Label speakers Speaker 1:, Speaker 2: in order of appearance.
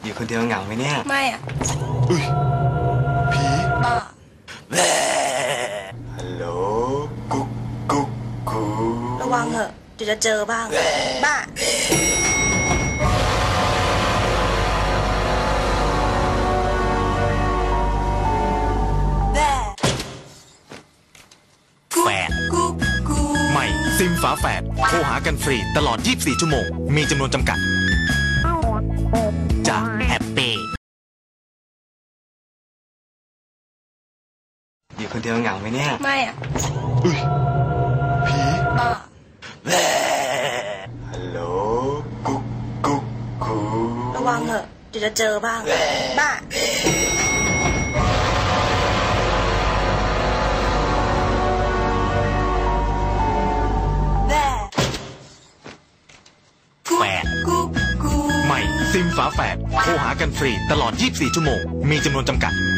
Speaker 1: อยู่คนเดียวเหงาไหมเนี่ย
Speaker 2: ไม่อ่ะ
Speaker 1: อุ้ยผี
Speaker 2: บ้า
Speaker 1: ฮัลโหลกุ๊กกุ๊กกู
Speaker 2: ระวังเถอะเดี๋ยวจะเจอบ้างบ้า
Speaker 3: แฝดใหม่ซิมฝาแฝดโทรหากันฟรีตลอด 24 ชั่วโมงมีจำนวนจำกัดจากแฮปปี้
Speaker 1: อยู่คนเดียวเหงาไหมเนี่ย
Speaker 2: ไม่อ่ะ
Speaker 1: อุ้ยผี
Speaker 2: บ้า
Speaker 1: ฮัลโหลกุ๊กกุ๊กกู
Speaker 2: ระวังเถอะเดี๋ยวจะเจอบ้างบ้า
Speaker 3: แฝดใหม่ซิมฝาแฝดโทรหากันฟรีตลอด 24 ชั่วโมงมีจำนวนจำกัด